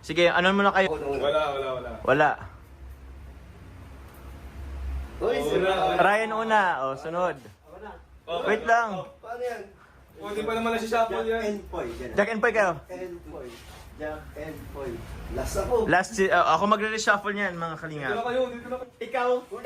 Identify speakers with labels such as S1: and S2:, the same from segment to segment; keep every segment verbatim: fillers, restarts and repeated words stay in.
S1: Sige, ano muna kayo?
S2: Wala, wala, wala.
S1: Wala.
S3: Uy,
S2: Oh,
S3: sira.
S2: wala.
S1: Ryan una, o sunod.
S2: Okay.
S1: Wait lang.
S3: Paano yan?
S2: O, di pa naman na-shuffle
S3: Jack
S2: yan.
S3: and Poy. ganun.
S1: Jack and Poy kayo.
S3: and Poy. Jack and Poy. Last ako.
S1: Last, si- uh, ako magre-reshuffle niyan, mga
S2: Dito na
S1: kalingap.
S2: kayo, dito na kayo.
S1: Ikaw?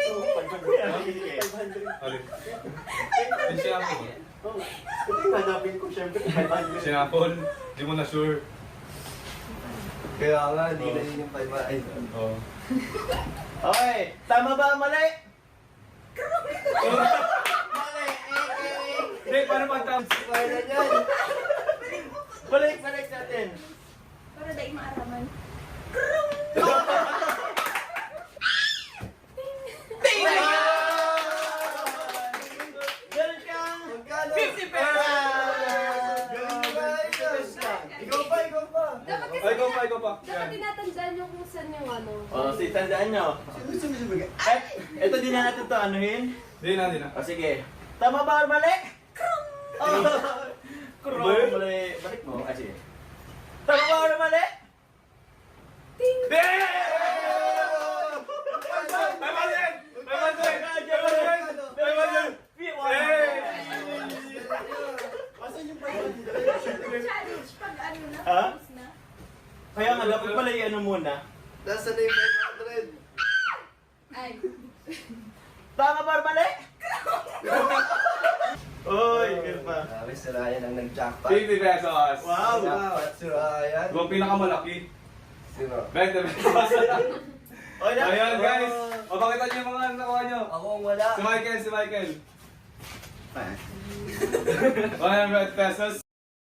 S2: Alin? Yung shuffle.
S3: Oh, ito yung hanapin ko syempre. five hundred.
S2: Shuffle. Di mo na sure.
S3: Kaya nga, hindi
S2: Oh.
S3: na yun yung five hundred.
S2: Oo.
S1: Okay, tama ba? Mali?
S2: Hindi, paano pag-tams?
S3: Kaya na yan.
S1: Balik, balik natin.
S4: Para dahil maaraman.
S1: Meron kang
S3: Magkano?
S1: fifty pesos!
S3: Galing ba? Ikaw pa, ikaw pa.
S4: Dapat kasi
S2: Ay, ikaw pa, ikaw pa.
S4: dapat
S2: Yan.
S4: tinatandaan nyo kung saan yung ano.
S1: O, sige, tandaan nyo.
S3: Sino gusto mo sumigay?
S1: Eh, ito din na natin to anuhin.
S2: Di na, di na.
S1: O, sige. Tama ba or mali? Oh, Krong!
S2: Mali?
S1: Mali. Balik mo. Ah, sige. Tama ba or mali?
S4: Ting!
S2: Di! Tama din! Tama din! Tama din!
S3: Asan yung five hundred?
S4: Challenge pag ano na,
S1: Ha?
S4: tapos na.
S1: Kaya nga, dapat pala i-ano muna.
S3: Nasaan na yung five hundred?
S4: Ay.
S1: Tama ba or mali? Oy, ganun pa.
S3: Grabe, si Ryan ang nag-jackpot.
S2: fifty pesos!
S1: Wow!
S3: Wow, at si Ryan.
S2: Yung pinakamalaki.
S3: Sino?
S2: twenty pesos.
S1: Oy, na.
S2: Ayan guys! O, pakita niyo yung mga nakuha niyo.
S3: Ako ang wala.
S2: Si Michael, si Michael.
S3: Ah.
S2: one hundred pesos.